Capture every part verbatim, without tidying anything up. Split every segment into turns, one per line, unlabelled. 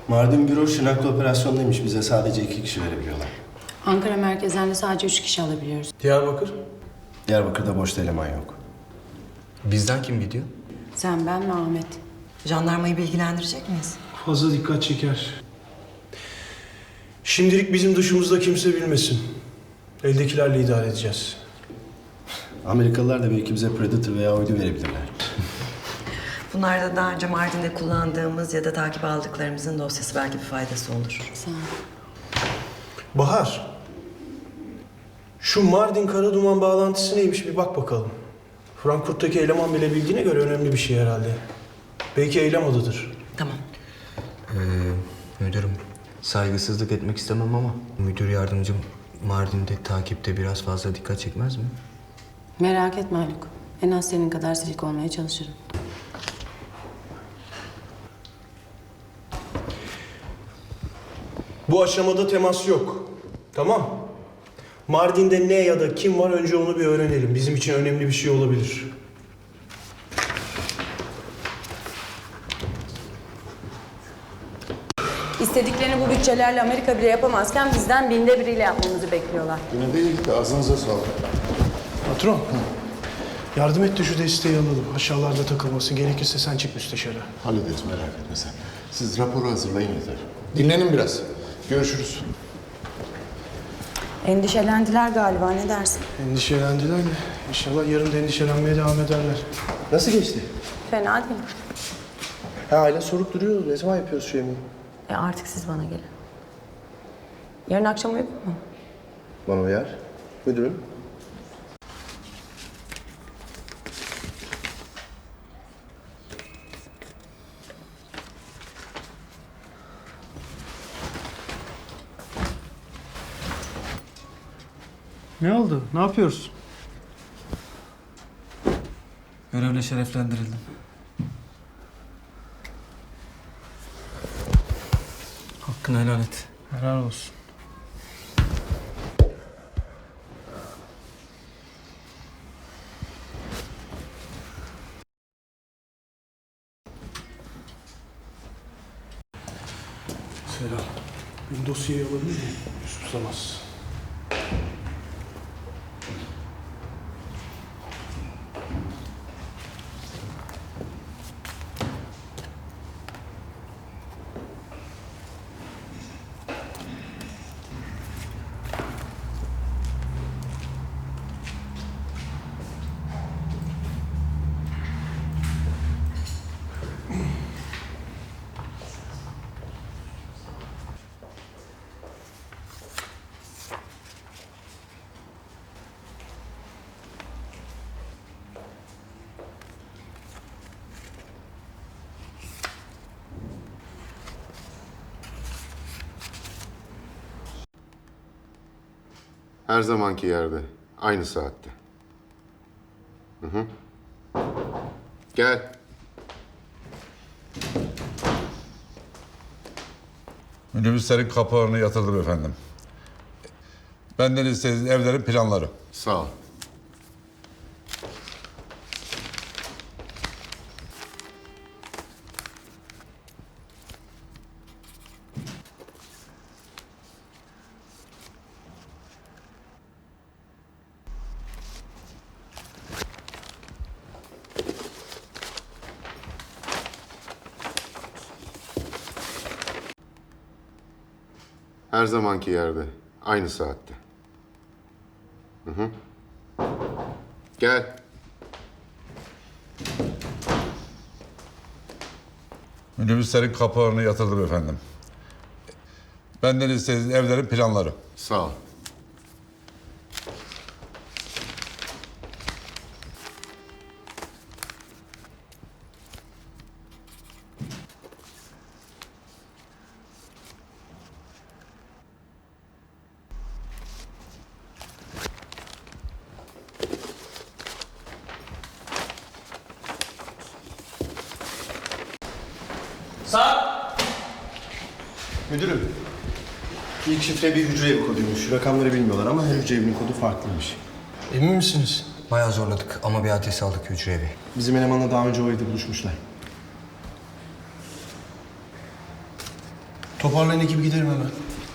Mardin büro Şırnak'ta operasyondaymış. Bize sadece iki kişi verebiliyorlar.
Ankara merkezden de sadece üç kişi alabiliyoruz.
Diyarbakır?
Diyarbakır'da boşta eleman yok.
Bizden kim gidiyor?
Sen, ben ve Ahmet.
Jandarmayı bilgilendirecek miyiz?
Fazla dikkat çeker. Şimdilik bizim dışımızda kimse bilmesin. Eldekilerle idare edeceğiz.
Amerikalılar da belki bize Predator veya uydu verebilirler.
Bunlar da daha önce Mardin'de kullandığımız ya da takip aldıklarımızın dosyası, belki bir faydası olur.
Sağ ol.
Bahar, şu Mardin Karaduman bağlantısı neymiş bir bak bakalım. Frankfurt'taki eleman bile bildiğine göre önemli bir şey herhalde. Belki eylem adıdır.
Tamam.
Ee, müdürüm, saygısızlık etmek istemem ama müdür yardımcım Mardin'de takipte biraz fazla dikkat çekmez mi?
Merak etme Haluk. En az senin kadar silik olmaya çalışırım.
Bu aşamada temas yok. Tamam. Mardin'de ne ya da kim var önce onu bir öğrenelim. Bizim için önemli bir şey olabilir.
İstediklerini bu bütçelerle Amerika bile yapamazken bizden binde biriyle yapmamızı bekliyorlar.
Yine de iyi gitti. Ağzınıza sağlık.
Patron, yardım et de şu desteği alalım. Aşağılarda takılmasın. Gerekirse sen çık müsteşara.
Hallederiz, merak etme sen. Siz raporu hazırlayın yeter. Dinlenin biraz. Görüşürüz.
Endişelendiler galiba, ne dersin?
Endişelendiler mi? İnşallah yarın da endişelenmeye devam ederler.
Nasıl geçti?
Fena değil.
Ha, aile sorup duruyor. Ne zaman yapıyoruz şu yemeği?
E artık siz bana gelin. Yarın akşam uygun mu?
Bana uyar. Müdürüm.
Ne oldu? Ne yapıyoruz?
Görevle şereflendirildim. Hakkını helal et.
Helal olsun. Selam. Ben dosyayı alabilir miyim? Yusuf Samaz.
Her zamanki yerde. Aynı saatte. Hı hı. Gel.
Minibüslerin kapılarını yatırdım efendim. Benden istediğiniz evlerin planları.
Sağ ol. Her zamanki yerde. Aynı saatte. Hı hı. Gel.
Minibüslerin kapılarını yatırdım efendim. Benden istediğiniz evlerin planları.
Sağ ol.
Müdürüm. İlk şifre bir hücre evi koduymuş. Rakamları bilmiyorlar ama her hücre evinin kodu farklıymış.
Emin misiniz?
Bayağı zorladık ama bir adres aldık hücre evi.
Bizim elemanla daha önce o evde buluşmuşlar.
Toparlayın ekibi gidelim hemen.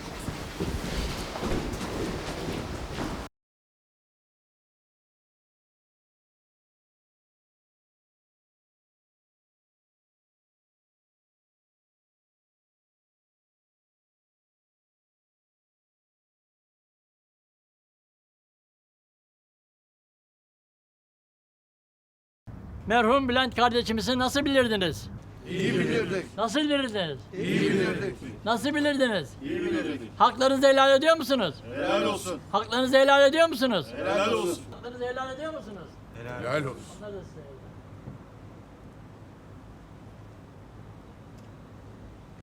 Merhum Bülent kardeşimizi nasıl bilirdiniz? İyi bilirdik. Nasıl bilirdiniz? İyi bilirdik. Nasıl bilirdiniz? İyi bilirdik. Haklarınızı helal ediyor musunuz? Helal olsun. Haklarınızı helal ediyor musunuz? Helal olsun. Haklarınızı helal ediyor musunuz?
Helal olsun.
Haklarınızı